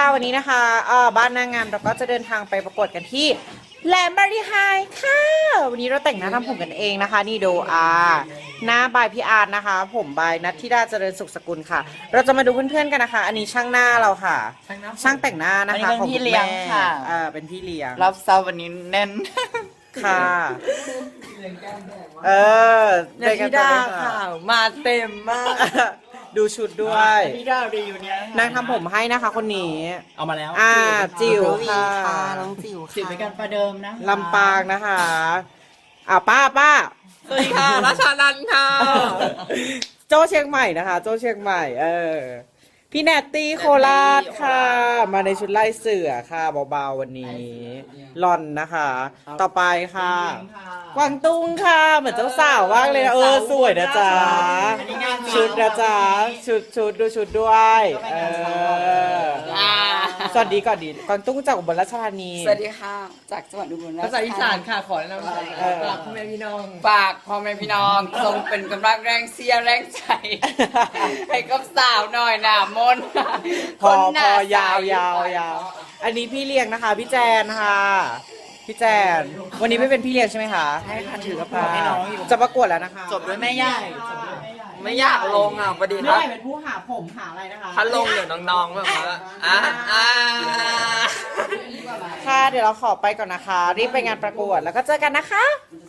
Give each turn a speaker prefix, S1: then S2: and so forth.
S1: วันนี้นะคะบ้านนางงามเราก็จะเดินทางไปประกวดกันที่แหลมบารีไฮค่ะวันนี้เราแต่งหน้าทำผมกันเองนะคะนี่ดูหน้าบายพี่อาร์ตนะคะ ผมบายนัทธิดาเจริญสุขสกุลค่ะ เราจะมาดูเพื่อนๆกันนะคะ อันนี้ช่างหน้าเราค่ะ ช่างแต่งหน้านะคะ
S2: เป็นพี่เลี้ยงค่ะ
S1: เป็นพี่เลี้ยง
S2: รับเซาวันนี้แน่น
S1: ค่ะ
S2: นัทธิดาค่ะมาเต็มมาก
S1: ดูชุดด้วย
S2: นัทธิดาดีอยู่เนี่ย
S1: นางทำผมให้นะคะคนนี้
S3: เอามาแล้ว
S1: จิ๋วค่ะ
S2: น้องจิ๋วค่ะจิ๋วเป็นการประเดิมนะ
S1: ลำปางนะคะป้า
S3: สวัสดีค่ะรัชานันท์ค่ะ
S1: โจเชียงใหม่นะคะ โจเชียงใหม่พี่แนตตี้โคราชค่ะ มาในชุดไล่เสือค่ะเบาๆวันนี้ลอนนะคะ ต่อไปค่ะ กวางตุ้งค่ะ เหมือนเจ้าสาวมากเลยนะสวยนะจ๊ะชุดนะจ๊ะชุดดูชุดด้วยสวัสดีก่อนดีกวางตุ้งจากอุบลราชธานี
S2: สวัสดีค่ะจากจังหวัดอุบลราชธานี
S3: ภาษาอีสานค่ะขอแนะนำฝากพ่อแม่พี่น้อง
S2: ฝากพ่อแม่พี่น้องทรงเป็นกำลังแรงเสียร์แรงใจ ให้กับสาวหน่อยหนามน
S1: พอยาวอันนี้พี่เลี้ยงนะคะ พี่แจนค่ะพี่แจนวันนี้ไม่เป็นพี่เลี้ยงใช่ไหมคะ
S2: ใช่ค่ะถือกระเป๋าให้น้องอยู่
S1: จะประกวดแล้วนะคะ
S2: จบด้วยแม่ใหญ่
S3: ไม่อยากลงอ่ะประเด็น
S1: เมื่อไหร่เป็นผู้หาผมหาอะไรนะคะ
S3: ถ้าลงเดี๋ยวน้องๆแบบว่า
S1: ค่ะเดี๋ยวเราขอไปก่อนนะคะ รีบไปงานประกวดแล้วก็เจอกันนะคะ